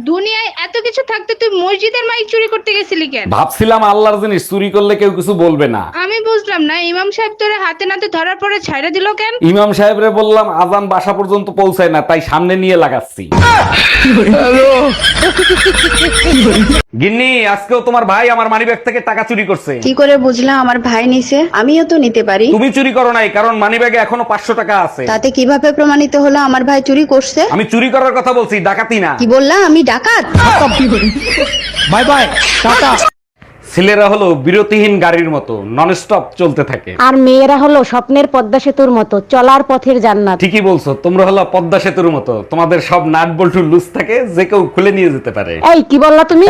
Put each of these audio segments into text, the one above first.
দুনিয়ায় এত কিছু থাকতে তুই মসজিদের মাইক চুরি করতে গেছিলি কেন? ভাবছিলাম আল্লাহর জিনিস চুরি করলে কেউ কিছু বলবে না। আমি বুঝলাম না, ইমাম সাহেব তোরে হাতে নাতে ধরার পরে ছাইড়া দিল কেন? ইমাম সাহেবরে বললাম আজান বাসা পর্যন্ত পৌঁছায় না, তাই সামনে নিয়ে লাগাচ্ছি। গিন্নি, আজকেও তোমার ভাই আমার মানিব্যাগ থেকে টাকা চুরি করছে। কি করে বুঝলাম আমার ভাই নিছে? আমিও তো নিতে পারি। তুমি চুরি করো নাই, কারণ মানিব্যাগে এখনো 500 টাকা আছে। তাতে কিভাবে প্রমাণিত হলো আমার ভাই চুরি করছে? আমি চুরি করার কথা বলছি, ডাকাতি না। কি বললা? আমি ডাকাত? Bye bye, tata. ছেলেরা হলো বিরতিহীন গাড়ির মতো, নন স্টপ চলতে থাকে। আর মেয়েরা হলো স্বপ্নের পদ্মা সেতুর মতো, চলার পথের জান্নাত। ঠিকই বলছো, তোমরা হলো পদ্মা সেতুর মতো, তোমাদের সব নাট বল্টু লুজ থাকে, যে কেউ খুলে নিয়ে যেতে পারে। এই কি বললা তুমি?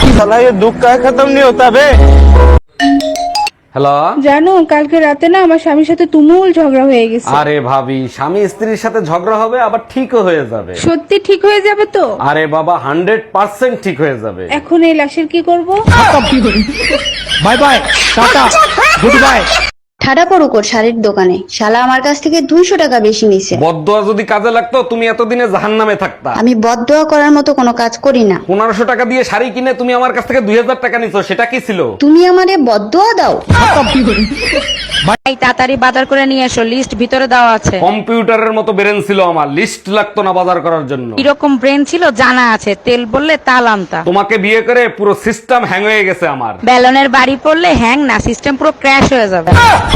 হ্যালো। জানো কালকে রাতে না আমার স্বামীর সাথে তুমুল ঝগড়া হয়ে গেছে। আরে ভাবি, স্বামী স্ত্রীর সাথে ঝগড়া হবে আবার ঠিকও হয়ে যাবে। সত্যি ঠিক হয়ে যাবে তো? আরে বাবা, 100% ঠিক হয়ে যাবে। এখন এই লাশের কি করব? Bye bye, tata, goodbye. ঠাডা পড়ুক ওর শাড়ির দোকানে, শালা আমার কাছ থেকে 200 টাকা বেশি নিছে। বদদোয়া যদি কাজে লাগতো তুমি এতদিনে জাহান্নামে থাকতা। আমি বদদোয়া করার মতো কোনো কাজ করি না। 1500 টাকা দিয়ে শাড়ি কিনে তুমি আমার কাছ থেকে 2000 টাকা নিছো, সেটা কি ছিল? তুমি আমারে বদদোয়া দাও? এই তাড়াতাড়ি বাজার করে নিয়ে এসো, লিস্ট ভিতরে দেওয়া আছে। কম্পিউটারের মতো ব্রেন ছিল আমার, লিস্ট লাগতো না বাজার করার জন্য। এরকম ব্রেন ছিল জানা আছে, তেল বললে তাল আনতা। তোমাকে বিয়ে করে পুরো সিস্টেম হ্যাং হয়ে গেছে আমার। ব্যালনের বাড়ি পড়লে হ্যাং না, সিস্টেম পুরো ক্র্যাশ হয়ে যাবে।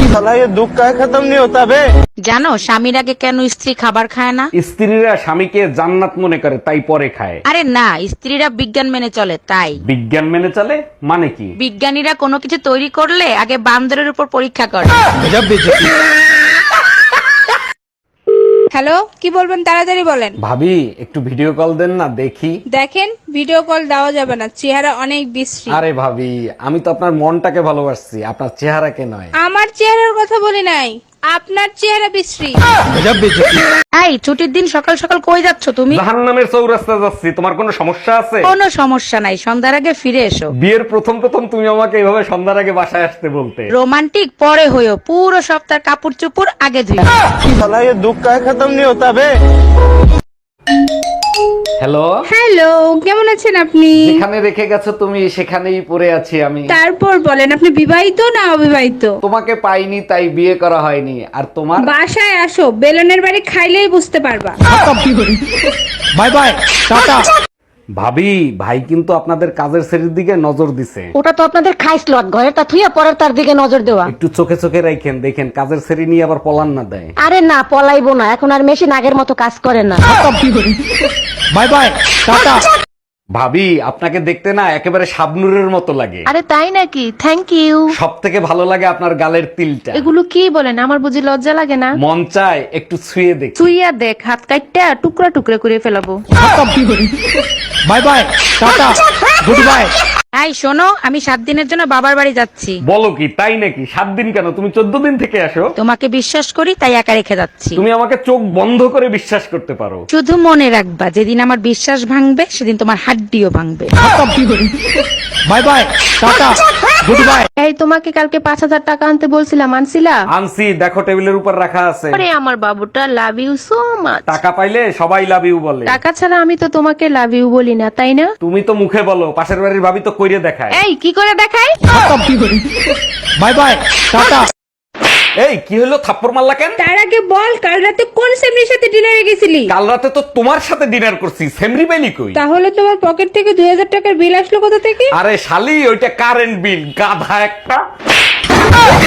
জানো স্বামীর আগে কেন স্ত্রী খাবার খায় না? স্ত্রীরা স্বামীকে জান্নাত মনে করে, তাই পরে খায়। আরে না, স্ত্রীরা বিজ্ঞান মেনে চলে তাই। বিজ্ঞান মেনে চলে মানে কি? বিজ্ঞানীরা কোনো কিছু তৈরি করলে আগে বান্দরের উপর পরীক্ষা করে। হ্যালো, কি বলবেন তাড়াতাড়ি বলেন। ভাবি, একটু ভিডিও কল দেন না দেখি। দেখেন ভিডিও কল দেওয়া যাবে না, চেহারা অনেক বিশ্রী। আরে ভাবি, আমি তো আপনার মনটাকে ভালোবাসছি, আপনার চেহারাকে নয়। আমার চেহারার কথা বলি নাই, আপনার চেহারা বিশ্রী। এই ছুটির দিন সকাল সকাল কই যাচ্ছ তুমি? জাহান্নামের চৌরাস্তায় যাচ্ছি। তোমার কোনো সমস্যা আছে? কোনো সমস্যা নাই, সন্ধ্যার আগে ফিরে এসো। বিয়ের প্রথম প্রথম তুমি আমাকে এইভাবে সন্ধ্যার আগে বাসায় আসতে বলতে। রোমান্টিক পরে হইও, পুরো সপ্তাহ কাপড় চোপড় আগে ধুই। হ্যালো। হ্যালো, কেমন আছেন আপনি? যেখানে রেখে গেছো তুমি সেখানেই পড়ে আছি আমি। তারপর বলেন, আপনি বিবাহিত না অবিবাহিত? তোমাকে পাইনি তাই বিয়ে করা হয়নি। আর তোমার? বাসায় আসো, বেলনের বাড়ি খাইলেই বুঝতে পারবা। Bye bye, tata. ভাবি, ভাই কিন্তু আপনাদের কাজের শ্রেণীর দিকে নজর দিছে। ওটা তো আপনাদের খাইস লট, ঘরের তা থুইয়া পরের তার দিকে নজর দেওয়া। একটু চোখে চোখে রাখেন, দেখেন কাজের শ্রেণী নিয়ে আবার পলান না দেয়। আরে না, পলাইবো না, এখন আর মেশিন আগের মতো কাজ করে না। Bye bye, tata. ভাবি, আপনাকে দেখতে না একেবারে শাবনুরের মতো লাগে। আরে তাই নাকি? Thank you. সব থেকে ভালো লাগে আপনার গালের তিলটা। এগুলো কি বলেন? আমার বুঝি লজ্জা লাগে না? মন চায় একটু ছুঁয়ে দেখ। তুইয়া দেখ, হাত কাটটা টুকরা টুকরা করে ফেলাবো। Bye bye, tata, goodbye. এই শোনো, আমি 7 দিনের জন্য বাবার বাড়ি যাচ্ছি। বলো কি, তাই নাকি? 7 দিন কেন? তুমি 14 দিন থেকে আসো। তোমাকে বিশ্বাস করি তাই একা রেখে যাচ্ছি। তুমি আমাকে চোখ বন্ধ করে বিশ্বাস করতে পারো। শুধু মনে রাখবা, যেদিন আমার বিশ্বাস ভাঙবে সেদিন তোমার হাড্ডিও ভাঙবে। Bye bye, tata, goodbye. এই তোমাকে কালকে 5000 টাকা আনতে বলছিলাম, আনছিলা? আনছি, দেখো টেবিলের উপর রাখা আছে। আরে আমার বাবুটা, লাভ ইউ সো মাচ। টাকা পাইলে সবাই লাভ ইউ বলে। টাকা ছাড়া আমি তো তোমাকে লাভ ইউ বলি না, তাই না? তুমি তো মুখে বলো, পাশের বাড়ির ভাবি তো কইরে দেখায়। এই কি করে দেখাই? Bye bye, tata. এই কি হলো, থাপ্পড় মারলা কেন? তার আগে বল, কাল রাতে কোন সেমরির সাথে ডিনারে গেছিলি? কাল রাতে তো তোমার সাথে ডিনার করছি, সেমরি পাইলি কই? তাহলে তোমার পকেট থেকে 2000 টাকার বিল আসলো কোথা থেকে? আরে শালি, ওইটা কারেন্ট বিল, গাধা একটা।